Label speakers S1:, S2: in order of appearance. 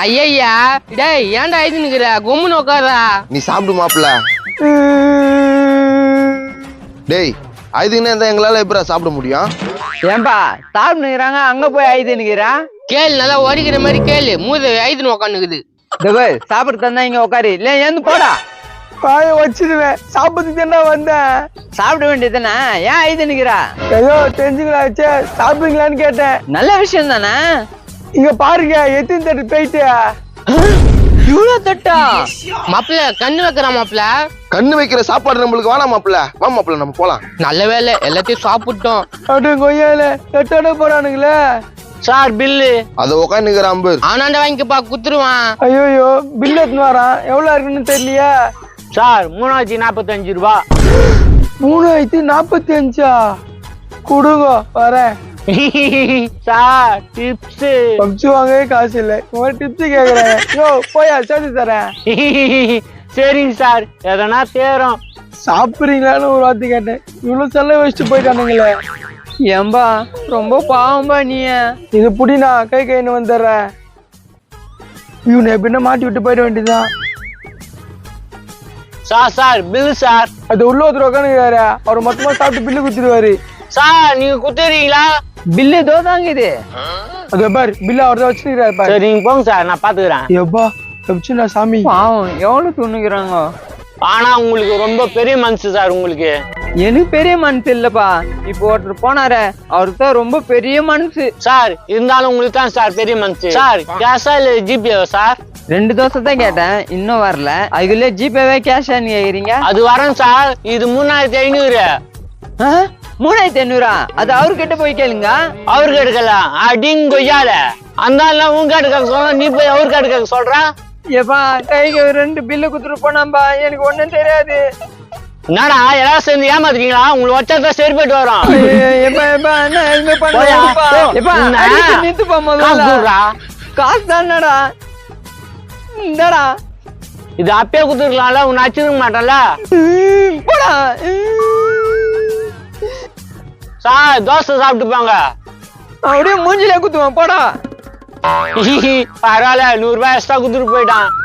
S1: ஐயா டேய் ஏன்டா ஐது நிக்கிற கும்முன்னு உட்காரா.
S2: நீ சாப்பிடு மாப்பிள்ள. டேய் ஐதுன்னு இருந்தா எங்களால எப்படா சாப்பிட முடியும்?
S3: ஏன்பா சாப்பிட்டுக்கிறாங்க அங்க போய் ஐது நிக்கிறான்.
S1: கேளு நல்லா ஒடிக்கிற மாதிரி கேளு. மூத ஐதுன்னு உட்காந்துக்குது.
S3: சாப்பிட்டு தந்தா இங்க உட்காரு இல்ல ஏந்து போடா.
S4: பாய வச்சிருவேன். சாப்பிட்டு தானே வந்தேன்.
S3: சாப்பிட வேண்டியதுதானே ஏன் ஐது நிக்கிறா?
S4: ஏதோ தெரிஞ்சுக்கலாச்சே சாப்பிடுங்களான்னு கேட்டேன்.
S3: நல்ல விஷயம் தானே.
S4: இங்க பாருங்க எத்தனை தட்டு போயிட்டு
S3: இவ்வளவு தட்டா?
S1: மாப்பிள்ள கண்ணு வைக்கிறான் மாப்பிள்ள.
S2: கண்ணு வைக்கிற சாப்பாடு நம்மளுக்கு வேணாம் மாப்பிள்ள. வா மாப்பிள்ள நம்ம போலாம்.
S1: நல்ல வேலை எல்லாத்தையும் சாப்பிட்டோம்.
S4: அப்படியே கொய்யால எட்டோட போறானுங்களே.
S3: Sir bill.
S2: அத உட்காந்துக்கிற அம்பர்.
S1: ஆனாண்ட வாங்கிக்கப்பா குத்துருவான்.
S4: ஐயோ பில் எடுத்துன்னு வரான். எவ்வளவு இருக்குன்னு தெரியலையா?
S3: சார் 3045 ரூபா.
S4: 3045 கொடுங்க வரேன்.
S3: Sir tips.
S4: பப்ஸ் வாங்கவே காசு இல்லை. டிப்ஸ் கேக்குறேன். யோ போயா சேர்த்து தரேன்.
S3: சரிங்க சார் எதனா தேரும்.
S4: சாப்பிடுறீங்களான்னு ஒரு வார்த்தை கேட்டேன். இவ்வளவு செல்ல வச்சுட்டு போயிட்டானுங்களே.
S3: ஏம்பா ரொம்ப பாவம்பா நீ.
S4: இது புடினா கைன்னு வந்துடுறேன். இவனை எப்படின்னா மாட்டி விட்டு போயிட வேண்டியதுதான்.
S3: Sir bill sir.
S4: அது உள்ள ஒருத்தர் உட்காந்துக்கிறாரு. அவர் மொத்தமா சாப்பிட்டு பில்லு குத்துருவாரு.
S3: சார் நீங்க குத்துறீங்களா? பில்லு தோதாங்க இது.
S4: அது பாரு பில்லு அவர் தான் வச்சுக்கிறாரு பாரு.
S3: சரி நீங்க போங்க சார் நான் பாத்துக்கிறேன்.
S4: எப்பா தப்பிச்சுண்ணா சாமி.
S3: பாவம் எவ்வளவு துண்ணுக்கிறாங்க. ஆனா உங்களுக்கு ரொம்ப பெரிய மனசு சார். உங்களுக்கு எனக்கு பெரிய மனசு இல்லப்பா. இப்போ ஒருத்தர் போனாரு அவருக்கு தான் ரொம்ப பெரிய மனசு சார். இருந்தாலும் உங்களுக்கு தான் சார் பெரிய மனசு சார். கேஷா இல்ல ஜிபேவா சார்? 2 தோசை தான் கேட்டேன் இன்னும் வரல. அதுக்குள்ளே ஜிபேவே கேஷான்னு கேக்குறீங்க? அது வரேன் சார். இது 3500. 3500? அது அவர்கிட்ட போய் கேளுங்க. அவருக்கு எடுக்கலாம் அடிங்க கொய்யால. அந்த உங்க கேட்டுக்க சொல்ற நீ போய் அவருக்கு எடுக்க சொல்ற.
S4: ஏப்பா கைக்கு 2 பில்லு குத்துட்டு போனாம்பா. எனக்கு ஒண்ணும் தெரியாது.
S3: என்னடா எல்லாரும் சேர்ந்து ஏமாத்துறீங்களா? உங்களுக்கு வச்சா சரி போயிட்டு வரோம்.
S4: காசு தானடா இந்தடா.
S3: இது அப்பயே குத்துருக்கலாம்ல. உன்னை அச்சிருக்க மாட்டேன்ல.
S4: போடா
S3: சார் தோசை சாப்பிட்டு போங்க.
S4: அப்படியே மூஞ்சிலே குத்துவான் போடா.
S3: பரவாயில்ல 100 ரூபாய் எக்ஸ்ட்ரா குத்துட்டு போயிட்டான்.